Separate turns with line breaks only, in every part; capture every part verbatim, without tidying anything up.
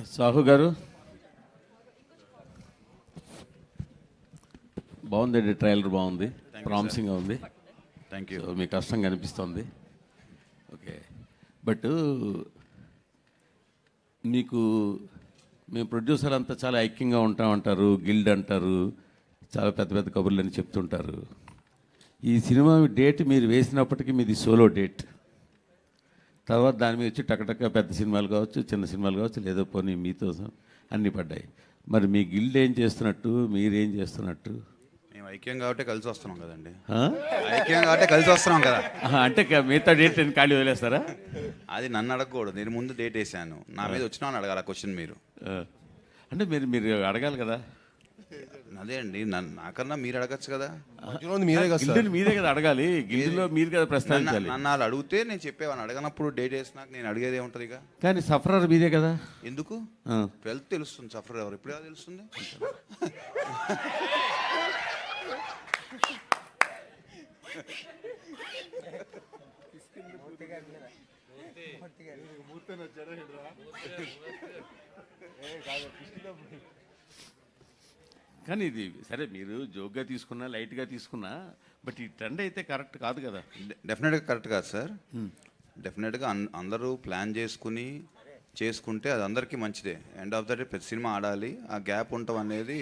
సాహు గారు బాగుందండి, ట్రైలర్ బాగుంది, ప్రామిసింగ్గా ఉంది.
Thank you.
సో మీ కష్టం కనిపిస్తుంది. ఓకే, బట్ మీకు మేము ప్రొడ్యూసర్ అంతా చాలా ఐక్యంగా ఉంటామంటారు, గిల్డ్ అంటారు, చాలా పెద్ద పెద్ద కబుర్లు అని చెప్తుంటారు. ఈ సినిమా డేట్ మీరు వేసినప్పటికీ మీది సోలో డేట్. తర్వాత దాని మీద వచ్చి టకటక పెద్ద సినిమాలు కావచ్చు, చిన్న సినిమాలు కావచ్చు, లేదో పోనీ మీతో అన్నీ పడ్డాయి. మరి మీ గిల్డ్ ఏం చేస్తున్నట్టు, మీరేం చేస్తున్నట్టు?
మేము ఐక్యం కాబట్టి కలిసి వస్తున్నాం కదండి.
ఆ?
ఐక్యం కాబట్టి కలిసి వస్తున్నాం కదా.
ఆహా, అంటే క- మిగతా డేట్ నేను ఖాళీ వదిలేస్తారా?
అది నన్ను అడగకూడదు, నేను ముందు డేట్ వేసాను, నా మీద వచ్చినా అని అడగాలి ఆ క్వశ్చన్ మీరు.
ఆ. అంటే మీరు మీరు అడగాలి కదా.
అదే అండి, నన్ను నాకన్నా మీరు అడగచ్చు కదా.
మీరే కదా సార్.
గిల్డ్ని మీరే కదా అడగాలి, గిల్డ్లో మీరు కదా
నన్ను
ప్రస్తావించాలి.
నన్ను వాళ్ళు అడిగితే నేను చెప్పేవాడిని, అడగనప్పుడు డేట్ వేసినాక నేను అడిగేది ఏముంటుంది ఇక.
కానీ సఫరర్ మీరే కదా.
ఎందుకు
ఆ.
వెళ్తే తెలుస్తుంది సఫర్ ఎవరు, ఎప్పుడు ఎలా తెలుస్తుంది?
కానీ ఇది సరే, మీరు జోక్గా తీసుకున్నా, లైట్గా తీసుకున్నా, బట్ ఈ ట్రెండ్ అయితే కరెక్ట్ కాదు కదా.
డెఫినెట్గా కరెక్ట్ కాదు సార్. డెఫినెట్గా అన్ అందరూ ప్లాన్ చేసుకుని చేసుకుంటే అది అందరికీ మంచిదే. ఎండ్ ఆఫ్ ద డే ప్రతి సినిమా ఆడాలి, ఆ గ్యాప్ ఉండటం అనేది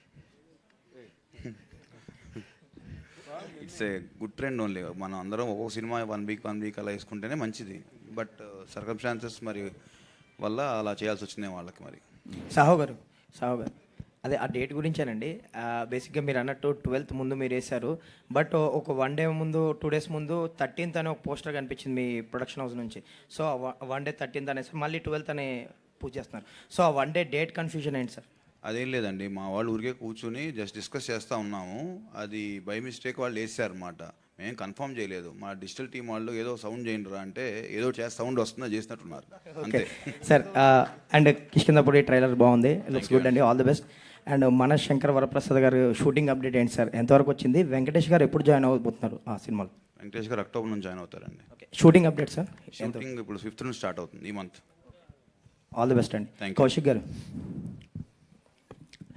it's a good trend only. మనం అందరం ఒక్కొక్క cinema one week one week అలా వేసుకుంటేనే మంచిది. బట్ సర్కమ్స్టాన్సెస్ మరి వల్ల అలా చేయాల్సి వచ్చింది వాళ్ళకి. మరి
సాహు గారు సాహు గారు అదే ఆ డేట్ గురించేనండి. బేసిక్గా మీరు అన్నట్టు ట్వెల్త్ ముందు మీరు వేశారు, బట్ ఒక వన్ డే ముందు, టూ డేస్ ముందు థర్టీన్త్ అనే ఒక పోస్టర్ కనిపించింది మీ ప్రొడక్షన్ హౌస్ నుంచి. సో వన్ డే థర్టీన్త్ అనేసి మళ్ళీ ట్వెల్త్ అనే పూజ చేస్తున్నారు. సో ఆ వన్ డే డేట్ కన్ఫ్యూజన్ ఏంటి సార్?
అదేం లేదండి, మా వాళ్ళు ఊరికే కూర్చుని జస్ట్ డిస్కస్ చేస్తూ ఉన్నాము. అది బై మిస్టేక్ వాళ్ళు వేసారు అనమాట, మేము కన్ఫర్మ్ చేయలేదు. మా డిజిటల్ టీం వాళ్ళు ఏదో సౌండ్ చేయండి రా అంటే ఏదో చేస్తే సౌండ్ వస్తుందో చేసినట్టున్నారు అంతే
సార్. అండ్ కిష్కిందపూడి ట్రైలర్ బాగుంది, లుక్స్ గుడ్ అండి, ఆల్ ది బెస్ట్. అండ్ మన శంకర్ వరప్రసాద్ గారు షూటింగ్ అప్డేట్ ఏంటి సార్, ఎంతవరకు వచ్చింది? వెంకటేష్ గారు ఎప్పుడు జాయిన్ అవ్వబోతున్నారు ఆ సినిమాలో?
వెంకటేష్ గారు అక్టోబర్ నుంచి జాయిన్ అవుతారండి.
Shooting update sir?
షూటింగ్ ఇప్పుడు ఫిఫ్త్ నుంచి స్టార్ట్ అవుతుంది ఈ మంత్.
ఆల్ ది బెస్ట్ అండి.
Thank you.
కౌశిక్ గారు